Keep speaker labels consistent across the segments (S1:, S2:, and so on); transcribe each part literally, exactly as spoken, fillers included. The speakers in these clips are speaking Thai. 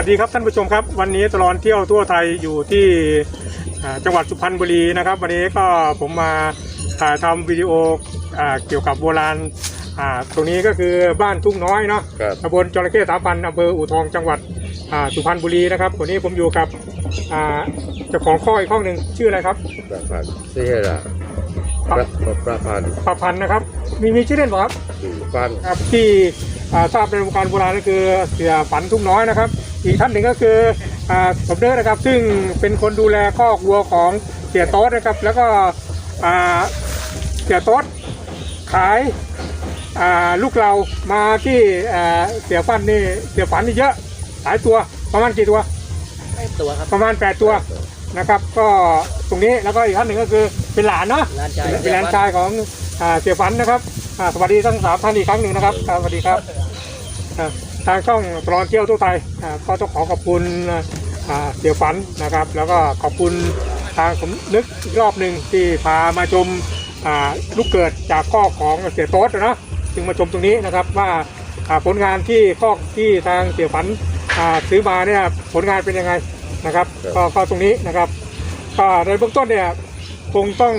S1: สดีครับท่านผู้ชมครับวันนี้ตลอดเที่ยวทั่วไทยอยู่ที่จังหวัดสุพรรณบุรีนะครับวันนี้ก็ผมมาถ่ายทำวิดีโอเกี่ยวกับโบราณตรงนี้ก็คือบ้านทุ่งน้อยเนาะตำบลจระเข้สามพันอำเภออู่ทองจังหวัดสุพรรณบุรีนะครับวันนี้ผมอยู่กับเจ้าของข้ออีกข้อหนึ่งชื่ออะไรครับ
S2: ประพันธ์เสียละประประพันธ์
S1: ประพันธ์นะครับมีมีชื่อเล่นป่ะครับ
S2: ฟัน
S1: ครับที่ทราบในวงการโบราณก็คือเสียฝันทุ่งน้อยนะครับอีกท่านหนึ่งก็คือสมเด็จนะครับซึ่งเป็นคนดูแลคอกวัวของเสียโต๊ดนะครับแล้วก็เสียโต๊ดขายลูกเรามาที่เสียฝันนี่เสียฝันนี่เยอะหลายตัวประมาณกี่ตัว
S3: แปดตัวครับ
S1: ประมาณแปดตัวนะครับก็ตรงนี้แล้วก็อีกท่านหนึ่งก็คือเป็นหลานเนาะเป็นหลานชายของเสียฝันนะครับสวัสดีทั้งสามท่านอีกครั้งหนึ่งนะครับสวัสดีครับทางช่องตลอดเที่ยวทั่วไทยก็ต้องขอขอบคุณเสียฝันนะครับแล้วก็ขอบคุณทางผมนึกอีกรอบหนึ่งที่พามาชมลูกเกิดจากข้อของเสียโต๊ดนะจึงมาชมตรงนี้นะครับว่าผลงานที่ข้อที่ทางเสียฝันซื้อมาเนี่ยผลงานเป็นยังไงนะครับก็ก็ตรงนี้นะครับก็ในเบื้องต้นเนี่ยคงต้อง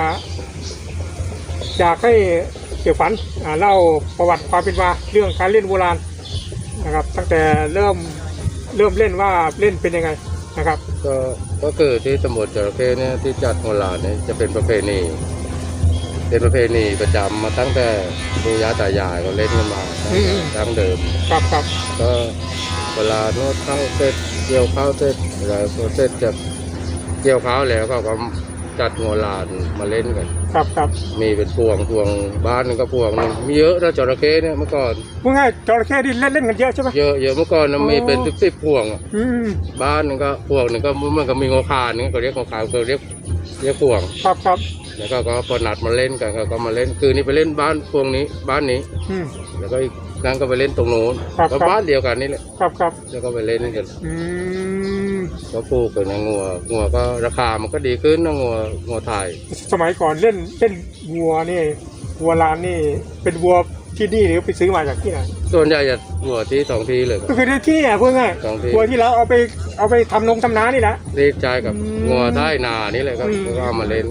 S1: อยากให้เสียฝันเล่าประวัติความเป็นมาเรื่องการเล่นโบราณนะครับตั้งแต่เริ่มเริ่มเล่นว่าเล่นเป็นยังไงนะครับ
S2: ก็ก็คือที่ตำบลจระเข้เนี่ยที่จัดโบราณเนี่ยจะเป็นประเพณีเป็นประเพณีประจำมาตั้งแต่ปู่ย่าตายายก็เล่นกันมาตั้งเดิม
S1: ครับครับ
S2: ก็เวลาโน้ตเข้าเสร็จเกี่ยวข้าวเสร็จอะไรเสร็จจะเกี่ยวข้าวแล้วก็ก็จัดโบราณมาเล่นกัน
S1: ครับครับ
S2: มีเป็นพวงพวงบ้านนึงก็พวงนึงมีเยอะนะจระเข้เนี่ยเมื่อก่อน
S1: ว่าไงจระเข้ที่เล่นเล่นกันเยอะใช่ไหม
S2: เยอะเยอะเมื่อก่อนมีเป็นสิบสิบพวงบ้านนึงก็พวงนึงก็มันก็มีงอคานึงก็เรียกงอคาก็เรียกเรียกพวง
S1: ครับครับ
S2: แล้วก็ก็พอนัดมาเล่นกันก็มาเล่นคือนี่ไปเล่นบ้านพวงนี้บ้านนี้แล้วก็อีกนั่งก็ไปเล่นตรงโน้นก็บ้านเดียวกันนี่แหละ
S1: ครับครับ
S2: แล้วก็ไปเล่นกันก็ปลูกกันงัวงัวก็ราคามันก็ดีขึ้นนะงัวงัวไทย
S1: สมัยก่อนเล่นเล่นวัวนี่วัวลานนี่เป็นวัวที่นี่หรือไปซื้อมาจากที่ไหน
S2: ส่วนใหญ่จะวัวที่สองทีเลย
S1: ก็คือที่นี่อ่ะเพื่อนไงวัวที่เราเอาไปเอาไปทำนงทำนานี่แหละ
S2: รีดใจกับงัวใต้นานี่เลยก็เอามาเล่น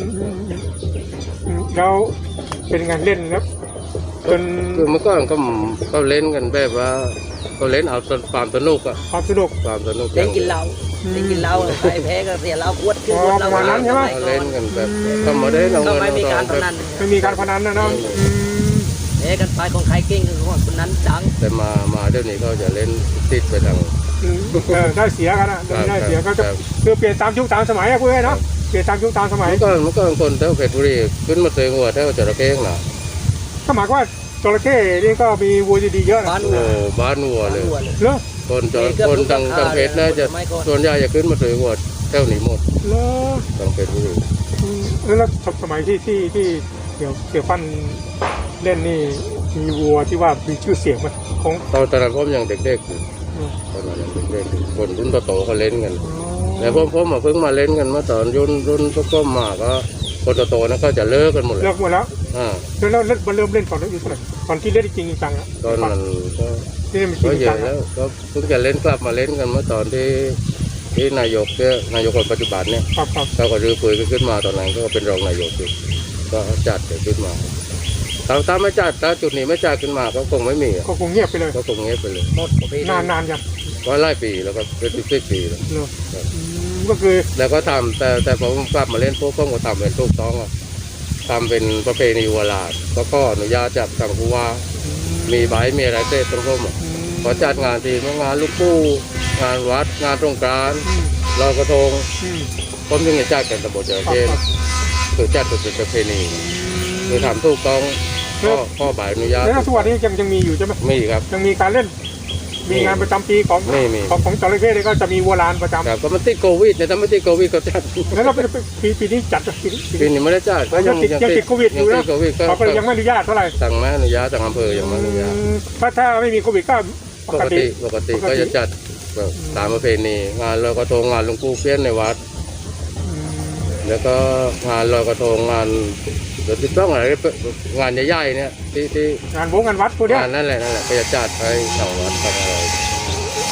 S1: แล้วเป็นงานเล่นครับ
S2: จนคือเมื่อก่อนก็ก็เล่นกันแบบว่าก็เล่นเอาความสนุกอะ
S1: ความสนุก
S2: ความสนุก
S3: เล่นกินเหล้าเล่นกินเหล้าใครแพ้ก็เสียเหล้าขวดขึ้น
S1: เราประมาณนั้นใช่ไหม
S2: เล่นกันแบบก็มาได้เรา
S3: ไม่มีการพนัน
S1: ไม่มีการพนันนะน้อง
S3: แพ้กันไปของใครเก่งคือของคนนั้นดัง
S2: แต่มามาเดี๋ยวนี้เขาจะเล่นติดไปทาง
S1: ได้เสียกันนะได้เสียก็จะคือเปลี่ยนตามยุคตามสมัยอะเพื่อนเนาะเปลี่ยนตามยุคตามสมัย
S2: เมื่อก่อนเมื่อก่อนคนแถวเพชรบุรีขึ้นมาเตยหัวแถวจระเข้หนา
S1: ก็หมายว่าจระเข้นี่ก็มีวัวดีๆเยอะนะ
S2: บ้านวัวบ้านวัวเลย
S1: เหรอ
S2: คนจระคนทางทางเพชรน่าจะส่วนใหญ่จะขึ้นมาเตยหัวแถวนี้หมด
S1: เหรอ
S2: ทางเพชรบุรี
S1: แล้วสมัยที่ที่ที่เกี่ยวเกี่ยวฟันเล่นนี่มีวัวที่ว่ามีชื่อเสียงไหมของ
S2: ตอนตอนนั้นผมยังเด็กๆอยู่ตอนนั้นยังเด็กๆคนรุ่นโตๆเขาเล่นกันแต่ผมผมมาเพิ่งมาเล่นกันเมื่อตอนรุ่นรุ่นพวกๆมาก็คนโตๆนั้นก็จะเลิกกันหมดเลย
S1: เลิกหมดแล้วอ่าแล้วแล้วเริ่มเล่นตอนนั้นอยู่เท่าไหร่ตอนที่เล่นจริงจังอ่ะ
S2: ตอนนั้นก็ก็เยอะแล้วก็เพิ่งจะเล่นกลับมาเล่นกันเมื่อตอนที่ที่นายกเนี่ยนายกคนปัจจุบันเนี่ยเขาก็รื้อฟื้นขึ้นมาตอนนั้นก็เป็นรองนายกอยู่ก็จัดขึ้นมาถ้าถ้าไม่จัดถ้าจุดนี้ไม่จัดขึ้นมาก็คงไม่มี
S1: ก็คงเงียบไปเลย
S2: ก็คงเงียบไปเลย
S1: นานนานยัง
S2: ก็หลายปีแล้วก็เป็นสิบปีแล้ว
S1: ก็คือ
S2: แล้วก็ทำแต่แต่พอผมกลับมาเล่นพวกก็ทำเป็นถูกต้องอ่ะทำเป็นประเพณีวัวลาดก็ก็อนุญาตจากทางผู้ว่ามีใบมีอะไรเสร็จตรงร่มอ่ะพอจัดงานทีงานลูกปู้งานวัดงานตรงกลางลอยกระทงผมยังจะจัดกันตำบลจระเข้คือจัดเป็นประเพณีคือทำถูกต้องก็ข้อใบอนุญาต
S1: แล้วทุกวันนี้ยังยังมีอยู่ใช่ไหม
S2: มีครับ
S1: ยังมีการเล่นมีงานประจำปีของของของจระเข้เลยก็จะมีวัวลานประจำ
S2: ครับก็มันติดโควิดเนี่ยถ้าไม่ติดโควิดก็จัด
S1: แล้วเราปีปีนี้จัดปีนี้
S2: ปีนี้ไม่ได้จัดก็
S1: ยังยังติดโควิดอยู่นะเขาก็ยังไม่อนุญาตเท่าไหร่
S2: สั่งไม่อนุญาตสั่งอำเภอยังไม่อนุญาต
S1: ถ้าถ้าไม่มีโควิดก็
S2: ปกติปกติก็จะจัดตามประเพณีงานลอยกระทงงานหลวงปู่เพี้ยนในวัดแล้วก็งานลอยกระทงงานเดี๋ยวติดต้องอะไรงานใหญ่ๆเนี่ยที่ที่
S1: งานวงงานวัดพวกนี้
S2: งานนั่นแหละนั่นแหละก็จะจัดไปสองวัดทำอะไร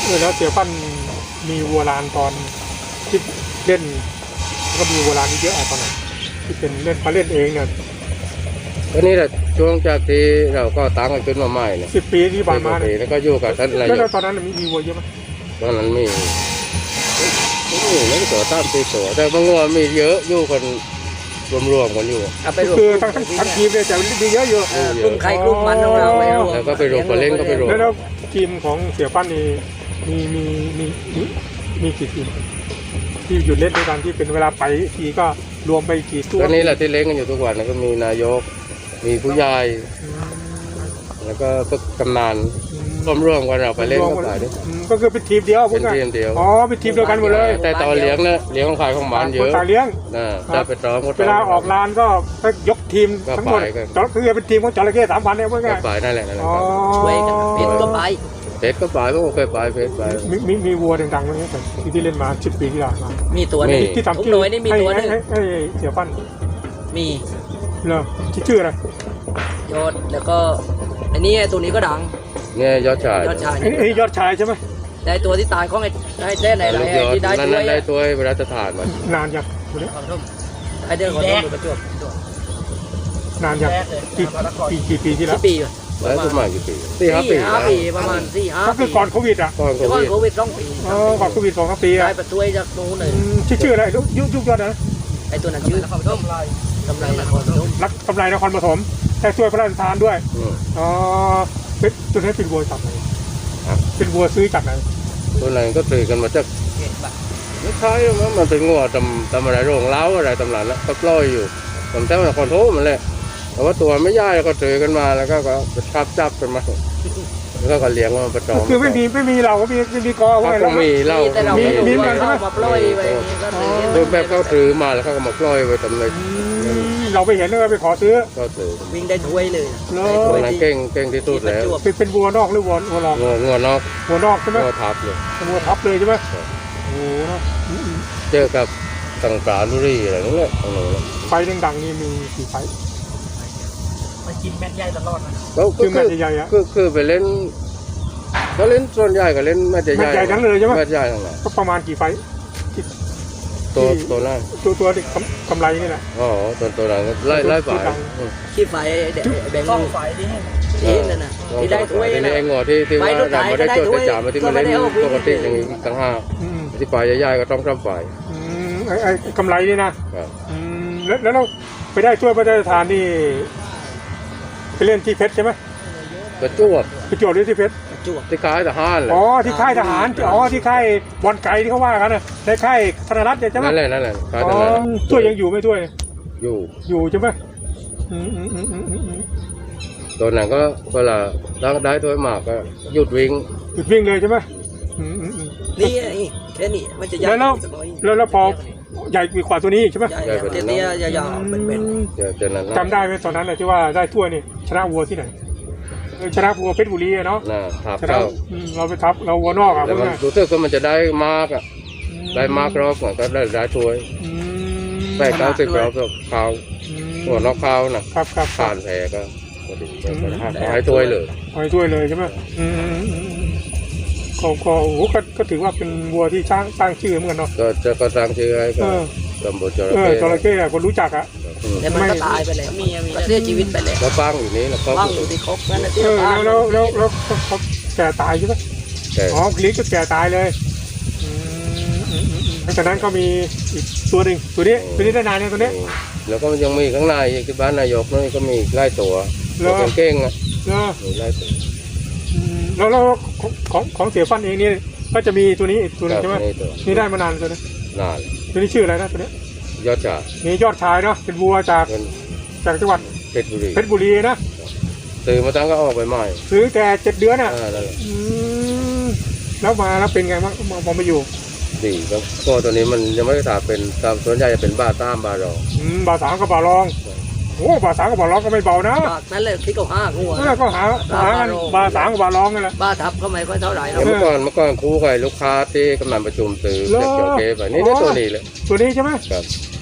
S1: อแล้วเสียฟันมีวัวลานตอนที่เล่นก็มีวัวลานเยอะอะตอนนั้นที่เป็นเล่นมาเล่นเองเนี่ย
S2: ก็นี่แหละช่วงจากที่เราก็ตั้งกันขึ้นมาใหม่เนี่ย
S1: สิบปีที่ผ่านมาเนี่ย
S2: แล้วก็อยู่กับท่านนาย
S1: แล้ว
S2: ก
S1: ตอนนั้นมีมีวัวเยอะไหม
S2: ตอนนั้นมีมีไม่ตัวตามตีตัวแต่บางวัวมีเยอะอยู่กันรวมๆกันอยู่
S3: เอาไปรวม
S1: คือทั้งทั้งทั้งทีมเนี่ยจะมีเยอะอยู่
S3: เออกลุ่มใครกลุ่มมันของเราไปรวม
S2: แล้วก็ไปรวมไปเล่นก็ไปรวม
S1: แล้วแล้วทีมของเสียฟันนี่มีมีมีมีมีกี่ทีมที่หยุดเล่นด้วยกันที่เป็นเวลาไปทีก็รวมไปกี่ตัว
S2: ก็นี่แหละที่เล่นกันอยู่ทุกวันนะก็มีนายกมีผู้ใหญ่
S1: อืม
S2: แล้วก็พวกกำนันรวมๆกันเราไปเล่นก็ไปดิ
S1: อืมก็คือเป็นทีมเดียว
S2: เป็นทีมเดียว
S1: อ๋อเป็นทีมเดียวกันหมดเลย
S2: แต่ตอนเลี้ยงเนี่ยเลี้ยงของใครของมันเย
S1: คน
S2: อะ
S1: ต่างเลี้ยง
S2: นะจะไปร้องก็
S1: เวลาออกลานก็ก็ยกทีม
S2: ก็
S1: ทั้งหมด
S2: ไปกัน
S1: จระคือเป็นทีมของจระเข้สามพันเนี่ยเพื่อน
S2: ก็
S1: ไง
S2: ไปนั่นแหละนั่นแหละ
S1: อ๋อ
S3: ช่วยกันเป็ดก็ไป
S2: เพชรก็ไปพวกเคยไปเพชรไป
S1: มีมีมีวัวดังๆไหมเนี่ยที่ที่เล่นมาสิบปีที่แล้วมา
S3: มีตัวหนึง
S2: มี
S1: ที่
S3: ทุ
S1: ทำ
S3: ก
S1: ชื่
S3: ห
S1: อ
S3: น่วยนี่มี
S1: ให้
S3: ตัวหนึ
S1: ให้
S3: ง
S1: ให้ให้เสียฟัน
S3: มี
S1: เหรอชื่อชื่ออะไร
S3: ยอดแล้วก็อันนี้ไอ้ตัวนี้ก็ดัง
S2: เนี่ยยอดชาย
S3: ยอดชาย
S1: ไอ้ไอ้ยอดชายใช่ไหม
S3: ได้ตัวที่ตายของไอ้ไอ้เต้นไหนไร
S2: ลูกย
S3: ไอ้
S2: อด
S3: ที่ได้
S2: นั่น
S3: ช่ว
S2: นั่
S3: ย
S2: นได้ตัวเวลาจะทานมัน
S1: นานยังตัวเนี้ย
S3: ไอ้เต้นของต้นประจวบ
S1: นานยังกี่กี่กี่ปีที่แล้
S3: ที่
S1: ว
S3: ปีอยู่
S2: แล้วสมัยกี่ปีสี่ห้าปี
S3: สี่ห้าปีประมาณสี่ห้า
S1: ก็
S3: ปี
S1: คือก่อนโควิดอ่ะ
S2: ก่อนโค
S3: ก่อน
S2: วิด
S3: โควิดสองปี
S1: อ๋อก่อนโควิดสองสามปี
S3: ได้
S1: อ่ะ
S3: ประช่วยจากนู้นเลย
S1: อืมชื่อชื่ออะไรยุยุยุคยอดนะ
S3: ไอ้ตัวนั้นชื่อกำไรกำไรนครพนม
S1: รักกำไรนครปฐมแต่ช่วยพระราชทานด้วย
S2: อืม
S1: อ๋อเป็นตัวนี้เป็นวัวจากไหน
S2: ครับ
S1: เป็นวัวซื้อจากไหน
S2: ตัวไหนก็ตื่นกันมาจากไม่ใช่มั้งมันเป็นงัวตำตำอะไรโรงเล้าอะไรตำหลังแล้วก็ปล่อยอยู่ตำแท้นครโทมันแหละแต่ว่าตัวไม่ย่ายก็ตื่นกันมาแล้วก็ก็จับจับกันมาแล้วก็เลี้ยงมันประจอม
S1: คือไม่มีไม่มีเราก็มีไม่มีกอ
S2: เขา
S1: ว่าไง
S2: ก็
S1: แล้ว
S2: มีเหล้า
S3: แต่เรา
S1: มี
S3: ไม่รู้
S1: มีเหมือนกั
S3: ว่าน
S1: ใช่ไหม
S3: เขามาปล่อยไว้ก็เลย
S2: โดยแบบเขาถือมาแล้วเขาก็มาปล่อยไว้ตำเลย
S1: อืมเราไปเห็นแล้วไปขอซื้อ
S2: ก็ถือ
S3: วิ่งได้ถ้วยเลย
S1: เหรอ
S3: ได้
S2: ตั
S3: ถ้
S2: ว
S3: วย
S2: นั้น
S3: ที่
S2: เก่งเก่งที่สุดแล้ว
S1: เป็นเป็นวัวนอกหรือวัววัวรอง
S2: งัวงัวนอก
S1: วัวนอกใช่ไหม
S2: งัวทับเลย
S1: วัวทับเลยใช่ไหม
S2: ครับ
S1: โอ้โหเนอะอืม
S2: เจอกับสังกาลุรีอะไรนั่นแหละตรงนั้นแหละ
S1: ไฟดังๆนี่มีกี่ไฟ
S3: มากินแม่ใหญ่ตลอดนะ
S2: ก็
S1: คือแม
S2: คือ
S1: ตช์ใหญ่ๆอะ
S2: คือคือไปเล่นก็เล่นส่วนใหญ่ก็เล่นแมตช์ใหญ่
S1: แมตช์ใหญ่ทั้งเลยใช่ไหม
S2: แมตช์ใหญ่ทั้งนั้น
S1: ก็ประมาณกี่ไฟ
S2: ตัวตัวนั้น
S1: ตัวตัวที่กำกำไรนี่แหละ
S2: อ๋อตัวตัวนั้นก็ไล่ไล่ฝ่าย
S1: ตัวดัง
S2: อืม
S3: ขี้ไฟเด็กแบงค์ไฟที่ที่นั่นน่ะที่ได้ถ้วย
S2: ที
S3: น่ะ
S2: นี้ไอ้งอที่ที่ว่า
S3: ไปรถไถ
S2: เราไม่ได้
S3: ก็ได้
S2: จด
S3: ถ้วย
S2: ได้จ่ามาที่มันเล่น
S3: ก็ไม่ได้เอาวิ่ง
S2: ปกติอย่างนี้ต่างหาก
S1: อืม
S2: ที่ฝ่ายใหญ่ๆก็ต้องทำฝ่าย
S1: อืมไอ้ไอ้กำไรนี่นะครับ อืมแล้วแล้วเราไปได้ช่วยพระราชทานนี่ไปเล่นที่เพชรใช่ไหม
S2: กระจวบ
S1: ไปโจทย์ที่เพชร
S3: จวบ
S2: ที่ค่ายทหารแหละ
S1: อ๋อที่ค่ายทหารอ๋อที่ค่ายบอลไก่ที่เขาว่ากันนะในค่ายธนรัตน์เนี่ยใช่ไหม
S2: นั่นแหละนั่นแหละค่าย
S1: อ๋
S2: ท
S1: อ
S2: หาร
S1: ช่วยยังอยู่ไหม่ช่วย
S2: อยู่
S1: อยู่ใช่ไหมอืมอืมอืมอืมอืมอืม
S2: ตัวนั้นก็เวลาได้ถ้วยมากก็หยุดวิ่ง
S1: หยุดวิ่งเลยใช่ไหมอืมอืมอืม
S3: นี่ไอ้แค่นี้มันจะใหญ่
S1: แล้วแล้วแล้วแล้วพอใหญ่กว่าตัวนี้ใช่ไหม
S3: ใหญ่เตี้ยๆยาวๆเป็น
S2: เจอเจอนั้นนะ
S1: จำได้ไหมตอนนั้นน่ะที่ว่าได้ถ้วยนี่ชนะวัวที่ไหนเออชนะวัวเพชรบุรีอะเนาะ
S2: น่ะทับ
S1: ชนะ
S2: เข้า
S1: อืมเราไปทับเราวัวนอกอ่ะ
S2: แล้ว
S1: เพื่
S2: มัน
S1: อน
S2: รู้สึกว่ามันจะได้มากอ่ะได้มากรอบก็ได้ได้ถ้วย
S1: อืม
S2: แปดเก้าสิบรอบก็เขา
S1: อืม
S2: หัวนอกเขานะครับ
S1: ครับครั
S2: ผ่า
S1: บ
S2: นแพ้ก็พอดีก็ให้ถ้วยเลย
S1: เอาไปถ้วยเลยใช่ไหมอืมอืมอืมอืมก็ก็โอ้โหก็ก็ถือว่าเป็นวัวที่สร้างสร้างชื่อเหมือนกันเนาะ
S2: ก็จะก็สร้างชื่อให้ก็
S1: เออ
S2: ตำบลจระ
S1: เออ
S2: เข้
S1: จระเข้อะคนรู้จักอ่ะ
S2: อืม
S3: แต่มันก็ตายไปแล้วมีมีเสียชีวิตไปแล้ว
S2: แล้วฟังอยู่นี้แล้วก็
S3: ว่างอยู่ที่ครบนั่นนะที่
S1: เออ
S3: ตาย
S1: แล้วแล้วแล้วแล้วเขาแก่ตายใช่ไหม
S2: แต่
S1: อ๋อคลิกก็แก่ตายเลยอืมอืมอืมอืมหลังจากนั้นก็มีอีกตัวหนึ่งตัวนี้ตัวนี้ได้นานเนี่ยตัวนี้
S2: แล้วก็ยังมีข้างในอีกที่บ้านนายกนี่ก็มีอีกไล่ตัว
S1: เหรอ
S2: ตัวเก่งๆอ่ะ
S1: เนอะ
S2: มีไล่ตัว
S1: อืมแล้วแล้วของของของเสียฟันเองนี่ก็จะมีตัวนี้อีกตัวหนึงใช่ไหม
S2: นี่ตัว
S1: นี่ได้มานานตัวนี้
S2: นาน
S1: ตัวนี้ชื่ออะไรนะตัวนี้
S2: ยอดจ่า
S1: นี่ยอดชายเนาะเป็นวัวจาก
S2: เป็น
S1: จากจังหวัด
S2: เพชรบุรี
S1: เพชรบุรีนะ
S2: ตื่นมาตั้งก็ออกไปใหม่
S1: ซื้อแต่เจ็ดเดือนอ่ะ
S2: อ่านั่นแหละ
S1: อืมแล้วมาแล้วเป็นไงบ้างมาพอมาอยู่
S2: ดีก็ก็ตัวนี้มันยังไม่ได้ถามเป็นตามส่วนใหญ่จะเป็นบ้าต้ามบ้ารอง
S1: อืมบาสามกับบารองโอ้บาสามกับบารองก็ไม่เบานะ
S3: ปากนั่นเลยที่เขาห้างัว
S1: แล้วก็หาหากันบาสามกับบารองนั่นแหละ
S3: บ้าทับก็ไม่ค่อยเท่าไหร่หรอก
S2: เมื่อก่อนเมื่อก่อนครูกับลูกค้าที่กำลังประชุมซื้อ
S1: เหรอ
S2: จากจอเกไปนี่ได้ตัวนี้เลย
S1: ตัวนี้ใช่ไหม
S2: ครับ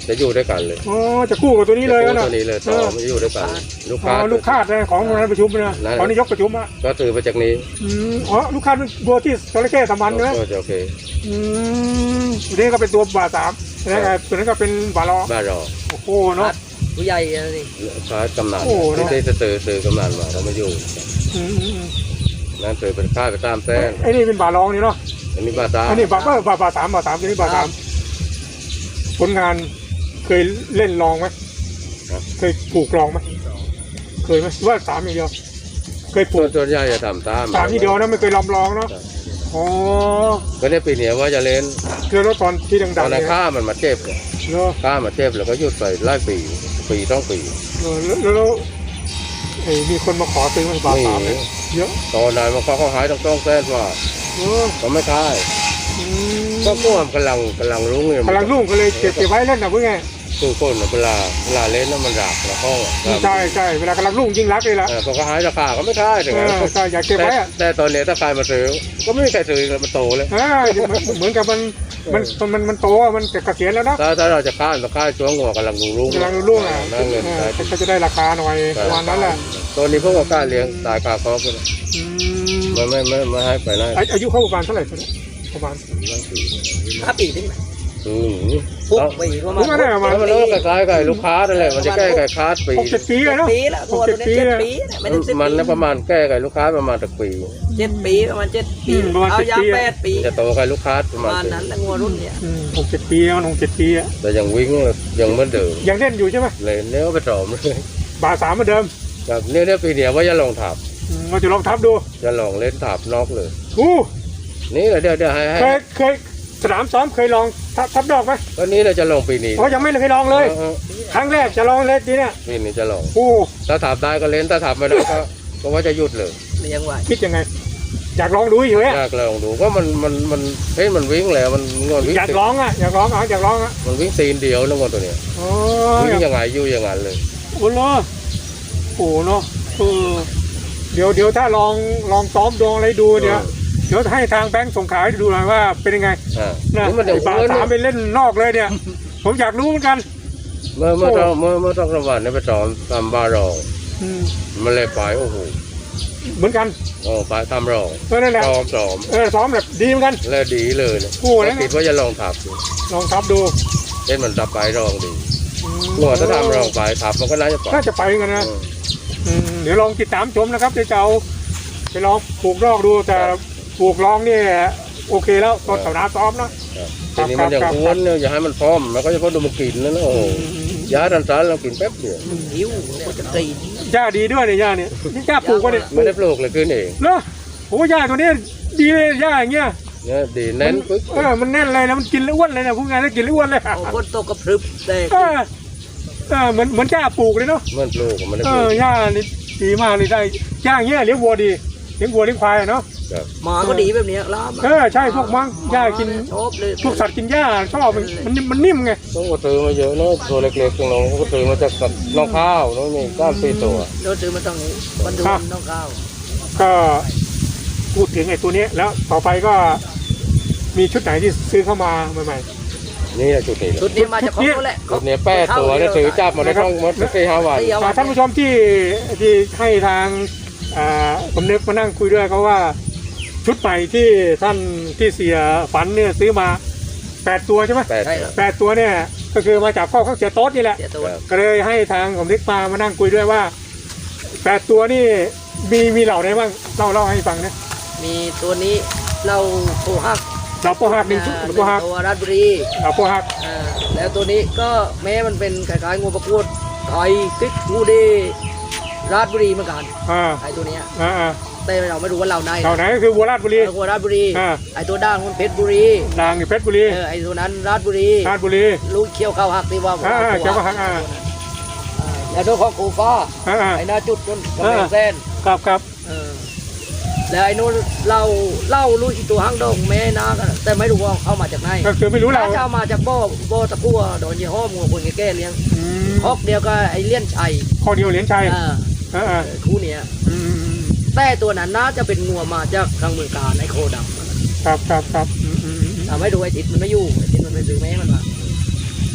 S2: จะอยู่ด้วยกันเลย
S1: อ๋อจะกู้กับตัวนี้เลย
S2: จะ
S1: นะ
S2: ตัวนี้เลยต่อมันจะอยู่ด้วยกันลูก
S1: อ๋
S2: ค้า
S1: อลูกคาดนะของงานประชุมนะของนายกประชุมอ่ะ
S2: ก็ถือมาจากนี้
S1: อืมอ๋อลูกคาดเป็นตัวที่จระเข้สามัญใช่ไหม
S2: ก็จะโอเค
S1: อืมตัวนี้ก็เป็นตัวบาสามนะตัวนั้นก็เป็นบาลอ
S2: บ้านเรา
S1: โอ้โหเนาะ
S3: ผู้ใหญ่อะไรนี่
S2: ค้ากำนัน
S1: โอ้เน
S2: ที่
S1: อะ
S2: ที่จะซื้อซื้อกำนันมาเขามาอยู่
S1: อืมอืมอืม
S2: นั่นซื้อเป็นค่าไปตามแสน
S1: ไอ้นี่เป็นบาลองนี่เนาะ
S2: อันนี้บ้านตา
S1: อันนี้บาบาบาบาสามบาสามตัวนี้บาสามผลงานเคยเล่นลองไหมเคยผูกลองไหมเคยไหมว่าสามอย่างเดียวเคยผู
S2: ส่ว
S1: ก
S2: นส่วนใหญ่จะทำตาม
S1: สามอย่างเดียวนะไม่เคยลำลองเนาะอ๋อ
S2: ก็เนี่ยปีนี้ว่าจะเล่น
S1: คือรถตอนที่
S2: ต
S1: ดั
S2: อง น
S1: ๆ
S2: นั้
S1: เนี่
S2: น
S1: ย
S2: ข้ามันมาเจ็บเนี่ย
S1: เนาะ
S2: ข้ามาเจ็บแล้วก็หยุดไปไล่ปีปีต้องปี
S1: เออแล้วแล้วแล้วไอ้มีคนมาขอซื้อมันบาทสามเลยเยอะ
S2: ตอนนั้นมันเขาเขาหายต้องต้องแสนว่า
S1: เออ
S2: เขาไม่ค่าย
S1: อืม
S2: ก็กลัวมันกำลังกำลังรุ้งเนี่ย
S1: กำลังรุ่งก็เลยเก็บเก็บไว้เล่นนะเพื่อไง
S2: คือคนน่ะเวลาเวลาเล่นแล้วมันรักแล้วก็
S1: ใช่ใช่เวลากำลังรุ่งยิ่งรักเลยล่ะ
S2: เออพอเขาหายราคาก็ไม่ค่ายถึง
S1: เอ
S2: นั้น
S1: อใช่อยากเก็บไว้อะ
S2: แต่ตอนนี้ถ้าใครมาซื้อก็ไม่มีใครซื้อมันโตเลย
S1: เออเหมือนเหมือนกับมันมันมันมันโตอะมันเกษียณแล้วนะ
S2: ถ้าถ้าเราจะค่ายเราค่ายช่วงหัวกำลังรุ้ง
S1: กำลังรุ่งอ่ะ
S2: นั่งเงิน
S1: เอ
S2: ได้
S1: อก็จะได้ราคาหน่อยประมาณนั้นแหละ
S2: ตอนนี้พวกเรากล้าเลี้ยงตายคาคอกเลย
S1: อืม
S2: มันไม่ไม่ไม่ให้ไปได้
S1: อาอายุเข้าประมาณเท่าไหร่ประมาณ
S3: ห้าปีถึงไหม
S2: อืม
S3: หกปีประมา
S1: ผม
S3: ณ
S1: ว่าได้ประมาณ
S2: แล้วมันก็คล้ายๆกับลูกค้านั่นแหละมันจะแก้ไก่ค้าปี
S1: หกเจ็ดปีเลยเนาะ
S3: ปีละตัวตัวนี้เจ็ดปีไม่ถึงสิบ
S2: มัน
S3: ปี
S2: นะประมาณแก้ไก่ลูกค้าประมาณตะปี
S3: เจ็ดปีประมาณเจ็ดปีเอายาแปดปี
S2: จะโตไก่ลูกค้าประ
S3: ป
S2: มา
S3: ระ
S2: ณ
S3: มาณนั้นแล้วงัวรุ่นเนี่ย
S1: อืมหกเจ็ดปีแล้วหกเจ็ดปีอะ
S2: แต่ยังวิ่งยังเหมือนเดิม
S1: ยังเล่นอยู่ใช่ไหม
S2: เลยเนี้ยไปสอมเลย
S1: บาทสามเหมือนเดิม
S2: แบบเนี้ยเนี่ยปีเดียวว่าจะลองถับ
S1: อืมเราจะลองทับดู
S2: จะลองเล่นถับนอกเลย
S1: อู้
S2: นี่เดี๋ยวเดี๋ยวให้ให้
S1: เคยเคยสนามซ้อมเคยลองทับทับดอกไหม
S2: ก็นี้เราจะลองปีนี้
S1: อ๋อยังไม่เคยลองเลย
S2: ออ
S1: ครั้งแรกจะลองเล่นทีเนี่ย
S2: ปีนี้จะลอง
S1: อู้
S2: ถ้าถับได้ก็เล่นถ้าถับไม่ได้ก็ก็ว่าจะหยุดเลย
S3: เลี้ยงไว้
S1: คิดยังไง อยากลองดูเฉยๆอะ
S2: อยากลองดูก็มันมันมันเฮ้ยมันวิ่งแล้วมันงอนวิ่ง
S1: อยากลองอ่ะอยากลองอ่ะอยากลองอ่ะ
S2: มันวิ่งตีนเดียวแล้วงอนตัวเนี้ย
S1: อ๋อ
S2: วิ่งยังไงอยู่อย่างนั้นเลย
S1: โอ้โหโอ้โหเนาะเออเดี๋ยวเดี๋ยวถ้าลองลองซ้อมดองอะไรดูเดี๋ยวเดี๋ยวให้ทางแบงค์ส่งขายดูหน่อยว่าเป็นยังไง
S2: อ่า
S1: นะ
S2: นี่มันเดี๋ยว
S1: ไอ้บาทสามไปเล่นนอกเลยเนี่ย ผมอยากรู้เหมือนกัน
S2: เมื่อเมื่อต้องเมื่อเมื่อต้องสวัสดิ์เนี่ยไปสอนทำบาร์รอง
S1: อืม
S2: มันเลยไปโอ้โห
S1: เหมือนกัน
S2: โอ้ไปทำรอง
S1: เออนั่นแหละ
S2: ซ้อมซ้อม
S1: เออซ้อมแบบดีเหมือนกัน
S2: แล้วดีเลยนะ
S1: โอ้แล้ว
S2: คิดว่าจะลองถับดู
S1: ลองทับดู
S2: เล่นมันดับไปรองดี
S1: อืม
S2: หัวถ้าทำรองไปถับมันก็น่าจะไป
S1: น่าจะไปเหมือนกันนะ
S2: เออ
S1: อืมเดี๋ยวลองติดตามชมนะครับเดี๋ยวจะเอาไปลองปลูกนอกดูแต่ปลูกลองนี่โอเคแล้วตอนสนามซ้อมเนาะ
S2: ทีนี้มันยัง
S1: ครับ
S2: อ้วนเนี่ยอย่าให้มันพร้อมมันก็จะพอดูมันกินนะนะโอ้โห
S1: อืมอืมอืม
S2: ยาดันสารเรากินแป๊บเดียว
S3: หิวก็จะกิน
S1: หญ้าดีด้วยเนี่ยหญ้าเนี่ยนี่หญ้าปลูกวะเนี่ย
S2: ไม่ได้ปลูกเลยขึ้นเอง
S1: เนาะโอ้หญ้าตัวนี้ดีเลยหญ้าอย่างเงี้ย
S2: เนี่ยดีแน่นปึ๊ก
S1: เออมันแน่นเลยแล้วมันกินแล้วอ้วนเลยนะพูดง่ายแล้วกินแล้วอ้วนเลย
S3: โอ้คนโตกระพรึบแต่
S1: เออเออเหมือนเหมือนหญ้าปลูกเลยเนาะ
S2: มันปลูกมันได้
S1: เอ
S2: ปลู
S1: อก หญ้านี่ดีมากเลยได้หญ้าอย่างเงี้ยเลี้ยงวัวดีเลี้ยงวัวเลี้ยงควายอะเนาะ
S2: ครับ
S3: หมาก็ดีแบบนี้ล้าม
S1: เออใช่พวกมังหญ้ากิน
S3: ชอบเลย
S1: พวกสัตว์กินหญ้าชอบมันมันมันนิ่มไง
S2: ต้องก็ซื้อมาเยอะเนาะตัวเล็กๆของน้องก็ซื้อมาจากน้องข้าวน้องนี่ก้ามสี่ตัว
S3: โดนซื้อมาต้องนี้วันดูน้องข้าว
S1: ก็พูดถึงไอ้ตัวนี้แล้วต่อไปก็มีชุดไหนที่ซื้อเข้ามาใหม่
S2: นี่แหละจุดนี้แหละ
S3: ชุดนี้มาจากเขาแหละ
S2: จุดนี้แป้ตัวเนี่ยถือจับมาได้ต้องหมดสี่ห้าวัน
S1: ๆอ่าท่านผู้ชมที่ที่ให้ทางอ่าผมนึกมานั่งคุยด้วยเขาว่าชุดใหม่ที่ท่านที่เสียฝันเนี่ยซื้อมาแปดตัวใช่ไหม
S2: แปด
S3: ใช่ครับ
S1: แปดตัวเนี่ยก็คือมาจากข้อข้างเสียโต๊ดนี่แหละ
S3: เสียตัว
S1: ก็เลยให้ทางผมนึกมามานั่งคุยด้วยว่าแปดตัวนี่มีมีเหล่าไหนบ้างเล่าเล่าให้ฟังนะ
S3: มีตัวนี้เราโคฮัก
S1: เหล่าโปหักหนึ่งชุด
S3: หนึ่ง
S1: โปหัก
S3: ตัวราชบุรี
S1: เหล่าโปหัก
S3: อ่าแล้วตัวนี้ก็แม้มันเป็นคล้ายๆงูประกวดไทยติ๊กงูเดราชบุรีเหมือนกัน
S1: อ่า
S3: ไอตัวเนี้ย
S1: อ่าอ่า
S3: แต่เราไม่รู้ว่าเราใน
S1: เหล่าไหนก็คือวัวราชบุรี
S3: งูราชบุรี
S1: อ่า
S3: ไอตัวด่างมันเพชรบุรี
S1: นางอยู่เพชรบุรี
S3: เออไอตัวนั้นราชบุรี
S1: ราชบุรี
S3: ลูกเขี้ยวเข้าหักที่ว่า
S1: อ่าอ่าเขี้ยวเข้าหักอ่า
S3: อ่าแล้วตัวของกูฟ้า
S1: อ่าอ่า
S3: ไอหน้าจุดจนกำแพงเส้น
S1: ครับครับ
S3: เออแล้วไอ้นู้นเล่าเล่าลูกอีตัวหางดงแม่นากันแต่ไม่รู้ว่าเอามาจากไหน
S1: ก็คือไม่รู้เรา
S3: น่าจะเอามาจากบ่อบ่อตะกั่วโดนยี่ห้อมัวคนแก่ๆเลี้ยง
S1: อืม
S3: คอกเดียวก็ไอ้เลี้ยนชัย
S1: ข้อเดียวเหรียญชัย
S3: อ่า
S1: อ่าอ่า
S3: เออคู่เนี้ย
S1: อืมอืมอืม
S3: แต่ตัวนั้นน่าจะเป็นงัวมาจากทางเมืองการไอ้โคดำ
S1: ครับครับครับอืมอืมอืม
S3: ทำให้ดูไอ้ทิศมันไม่อยู่ไอ้ทิศมันไปซื้อแม่มันมา
S1: โ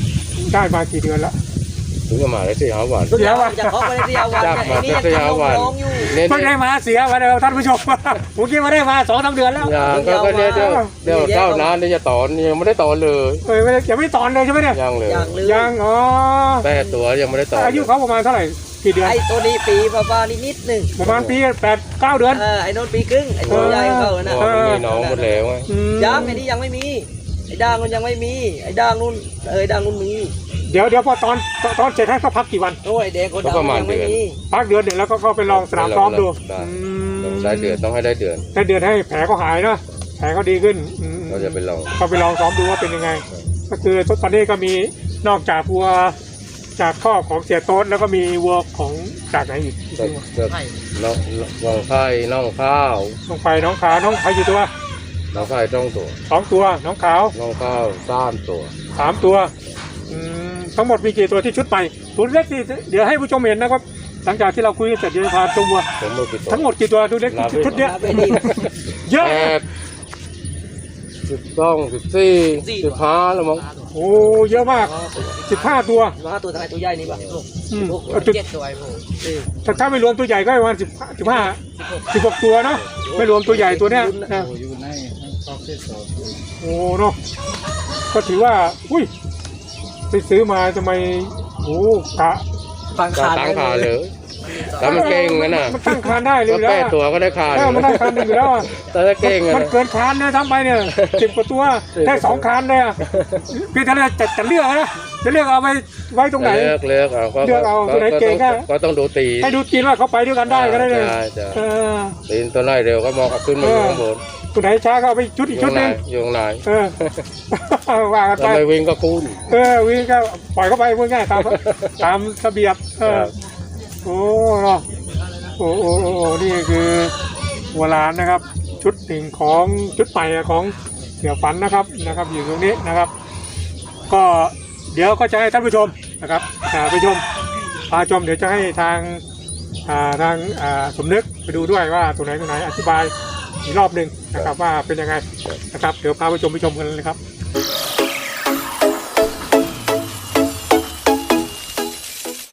S1: ได้มากี่เดือนแล้ว
S2: ถึงจะมาได้สี่ห้าวัน
S1: เสียวัน
S3: จะเข้าไปในเสียวัน
S2: จับ
S3: เนี่ย
S2: มา
S3: ไอ้นี่
S2: ได้
S3: ยัง
S2: สี่ห้า
S3: ทำ
S2: วัน
S3: น้องอยู่
S2: เน้น
S1: เพิ่งได้มาเสียวันเดียวท่านผู้ชม ผมคิดว่าได้มาสองสามเดือนแล้ว
S2: อย่างก็ก็เนี่ยเดี๋ยวเดี๋ยวเจ้านานนี่จะตอนยังไม่ได้ตอนเลย
S1: เอ้ยไม่ได้ยังไม่ตอนเลยใช่ไหมเนี่ย
S2: ยังเลย
S3: อย่างเลย
S1: ยังอ๋อ
S2: แปดตัวยังไม่ได้ตอน
S1: อายุเขาประมาณเท่าไหร่กี่เดือน
S3: ไอ้ตัวนี้ปีประมาณนิดๆหนึ่ง
S1: ประมาณปีแปดเก้าเดือน
S3: เออไอ้โนนปีครึ่งไอ้ตัวใหญ่ของเขา
S2: เพ
S3: น่ะ
S2: ราะว่ามันมีน้องหมดแล้วไง
S1: อืม
S3: ยังไอ้นี่ยังไม่มีไอ้ด่างมันยังไม่มีไอ้ด่างนู่นเออไอ้ด่างนู่นมี
S1: เดี๋ยวเดี๋ยวพอตอนตอนตอนเสร็จให้เขาพักกี่วัน
S3: โอ้ยไอ้แดงคนดำยังไม่มี
S1: พักเดือนหนึ่งแล้วก็ก็ไปลองสนามซ้อมดู
S2: ได้
S1: อืม
S2: ต้องได้เดือนต้องให้ได้เดือน
S1: ได้เดือนให้แผลเขาหายเนาะแผลเขาดีขึ้นอืม
S2: เราจะไปลอง
S1: ก็ไปลองซ้อมดูว่าเป็นยังไง ก็คือตอนนี้ก็มีนอกจากวัวจากข้อของเสียโต๊ดแล้วก็มีวัวของจากไหนอีก
S2: ก็ก็น้องน้องไข่น้องข้าว
S1: น้องไฟน้องขาวน้องไฟกี่ตัว
S2: น้องไข่ต้องตัว
S1: สองตัวน้องขาว
S2: น้องข้าวสามตัว
S1: สามตัวอืมทั้งหมดมีกี่ตัวที่ชุดใหม่ตัวเล็กที่เดี๋ยวให้ผู้ชมเห็นนะครับหลังจากที่เราคุยกันเสร็จเดี๋ยวจะพาชมวัว
S2: ผมมือกี่ตัว
S1: ทั้งหมดกี่ตัวตัวเล็กชุดเนี้ย
S3: นับไปดี
S1: เยอะ
S2: แปดสิบสองสิบสี่สิบห้าแล้วมั้ง
S1: โอ้เยอะมากสิบห้าตัว
S3: มาตัวทายตัวใหญ่นี่ป่ะ
S1: อืม
S3: เจ็ดตัวไอ้พวกเออ
S1: แต่ถ้าไม่รวมตัวใหญ่ก็ประมาณสิบสิบห้าสิบหกตัวเนาะไม่รวมตัวใหญ่ตัวเนี้ยนะ โอ้เนาะก็ถือว่าอุ้ยไปซื้อมาทำไมโอ้กะ
S3: ฟัง
S2: ก็
S3: ขาด
S2: ตั้งขาเลยแต่มันเก่งนะน่ะ
S1: มันตั้งคานได้เลย
S2: ก็
S1: แล้
S2: แป
S1: ว
S2: ดตัวก็ได้ขา
S1: เออมันได้คานหนึ่งอยู่แล้วอะ
S2: แต่ถ้าเก่งอะ
S1: มัน
S2: นะ
S1: เกินคานเนี่ยทำไปเนี่ยสิบกว่าตัวได้สองคานเลยอะพี่ท่านจะจะเลือกนะจะเลือกเอาไว้ไว้ตรงไหน
S2: เลือกเลือกเอาก็
S1: เลือกเอาตัวไหนเก่งก็
S2: ก็ต้องดูตี
S1: ให้ดูกินว่าเขาไปด้วยกันได้ก็ได้เลย
S2: ใช่ใช่
S1: เออ
S2: ตีนตัวไหนเร็วก็มองขึ้นมาอยู่ข้างบน
S1: ตัวไหนช้าก็เอาไปชุด
S2: อ
S1: อีก
S2: ยู่
S1: ชุ
S2: ข้า
S1: ด
S2: ง
S1: ห
S2: ใน
S1: นึง
S2: อยู่ข้างใน
S1: เออ ว่ากันไป
S2: ทำไมวิ่งก็คุ้น
S1: เออวิ่งก็ปล่อยเข้าไปพูดง่ายตามตามระเบียบเออ
S2: ครับ
S1: โอ้เนาะโอ้โอ้โอ้โอ้นี่คือวัวลานนะครับ ชุดหนึ่งของชุดใหม่ของเสือฝันนะครับนะครับ อยู่ตรงนี้นะครับ ก็เดี๋ยวก็จะให้ท่านผู้ชมนะครับอ่าไปชมพาชมเดี๋ยวจะให้ทางอ่าทางอ่าสมนึกไปดูด้วยว่าตรงไหนตรงไหนอธิบายอีกรอบหนึ่งนะครับว่าเป็นยังไงนะครับ เดี๋ยวพาไปชมไปชมกันเลยครับ